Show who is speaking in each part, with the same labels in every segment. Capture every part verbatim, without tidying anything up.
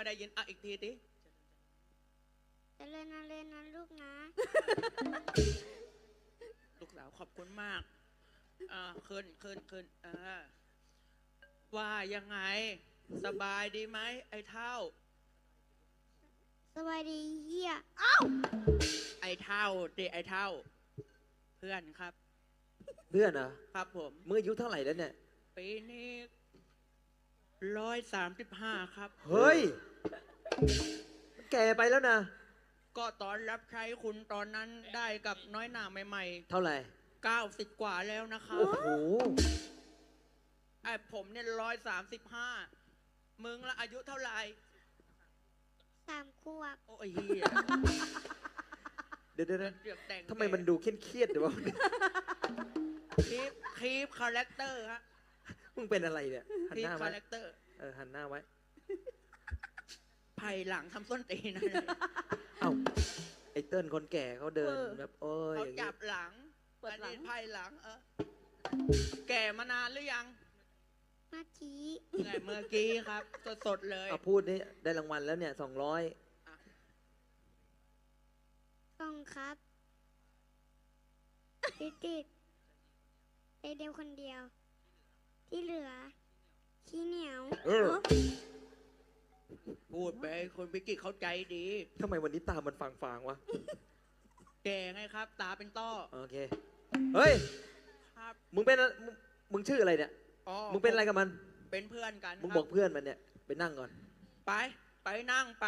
Speaker 1: ได้ยินอ่ะอีกทีดิ
Speaker 2: เจริญนะเล่นนะลูกนะ
Speaker 1: ลูกสาวขอบคุณมากอ่าขึ้นขึ้นขึ้นอ่าว่ายังไงสบายดีไหมไอ้เท่า
Speaker 2: สวัสดีเฮีย
Speaker 1: ไอ้เท่าดิไอ้เท่า เพื่อนครับ
Speaker 3: เพื่อนเหรอ
Speaker 1: ครับผม
Speaker 3: มึงอายุเท่าไหร่แล้วเนี่ย
Speaker 1: ปีนี้ร้อยสามสิบห้าครับ
Speaker 3: เฮ้ย แก่ไปแล้วนะ
Speaker 1: ก็ตอนรับใช้คุณตอนนั้นได้กับน้อยหนาใหม่
Speaker 3: เท่าไหร่
Speaker 1: ๆเก้าสิบกว่าแล้วนะครับ
Speaker 3: โอ้โห
Speaker 1: ไอ้ผมเนี่ยร้อยสามสิบห้ามึงละอายุเท่าไหร่
Speaker 2: สามขวบ
Speaker 1: โอ้ยเฮีย
Speaker 3: เดี๋ยวเดี๋ยว
Speaker 1: เดือกแต่ง
Speaker 3: ทำไมมันดูเครียดๆเดี๋ยววะ
Speaker 1: คีปคีปคาแรคเตอร์ฮะ
Speaker 3: มึงเป็นอะไรเนี่ย หัน
Speaker 1: คี
Speaker 3: ห
Speaker 1: ป
Speaker 3: น้า
Speaker 1: คา
Speaker 3: ไว้
Speaker 1: แรคเตอร์
Speaker 3: เออ หันหน้าไว้
Speaker 1: ไผ่หลังทำส้นตีนนะ
Speaker 3: เอ้า ไอ้เติ้ลคนแก่เขาเดินแบบโอ้ย
Speaker 1: เขา
Speaker 3: อย่าง
Speaker 1: จั
Speaker 3: งี้
Speaker 1: บหลัง
Speaker 4: เปิดหลัง
Speaker 1: อันนี้ไผ่หลังเออแก่มานานหรือยัง
Speaker 2: เมื่อกี้
Speaker 1: ไงเมื่อกี้ครับสดๆเลย
Speaker 3: เอาพูดนี่ได้รางวัลแล้วเนี่ยสองร้อย
Speaker 2: กล้องครับติดติดไอเดียวคนเดียว ที่เหลือ ขี้เหนียว
Speaker 3: เออ
Speaker 1: พูดไปคนพิกิเข้าใจดี
Speaker 3: ทำไมวันนี้ตามันฟางๆวะ
Speaker 1: แก่ไงครับ ตาเป็นต้อ
Speaker 3: โอเค เฮ้ย
Speaker 1: ครับ
Speaker 3: มึงเป็นอะมึงมึงชื่ออะไรเนี่ย
Speaker 1: อ๋อ
Speaker 3: มึงเป็นอะไรกับมัน
Speaker 1: เป็นเพื่อนกัน
Speaker 3: มึง
Speaker 1: ครับ
Speaker 3: บอกเพื่อนมันเนี่ย ไปนั่งก่อน
Speaker 1: ไป ไปนั่งไป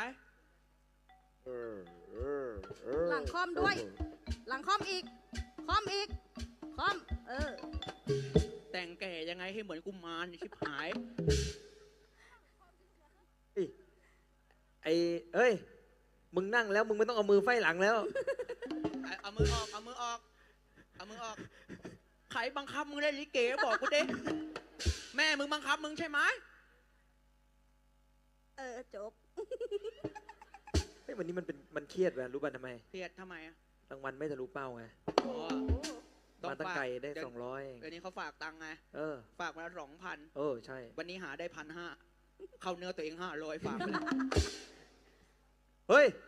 Speaker 4: หลังคอมด้วย หลังคอมอีก คอมอีก คอม เออ
Speaker 1: แต่งแก่ยังไงให้เหมือนกุมารชิบหาย
Speaker 3: อิไอ้เอ้ย มึงนั่งแล้วมึงไม่ต้องเอามือไฟหลังแล้ว
Speaker 1: เอาเอามือออก เอามือออก เอามือออก ใครบังคับมึงเล่นลิเกบอกกูดิแม่มึงบังคับมึงใช่ไหม
Speaker 4: เออ จบ
Speaker 3: เฮ้ยวันนี้มันเป็นมันเครียดว่ะรู้ป่ะทำไม
Speaker 1: เครียดทำไมอ่ะ
Speaker 3: รางวัลไม่ทะลุเป้าไง
Speaker 1: อ๋อ
Speaker 3: มาตั้งไกลได้
Speaker 1: เยว
Speaker 3: สองร้อย
Speaker 1: เดี๋ยวนี้เขาฝากตังค์ไง
Speaker 3: เออ
Speaker 1: ฝากมาสองพัน
Speaker 3: เออ ใช่
Speaker 1: วันนี้หาได้พันห้า เข้าเนื้อตัวเองห้าร้อยฝากไปเลย
Speaker 3: เฮ้ย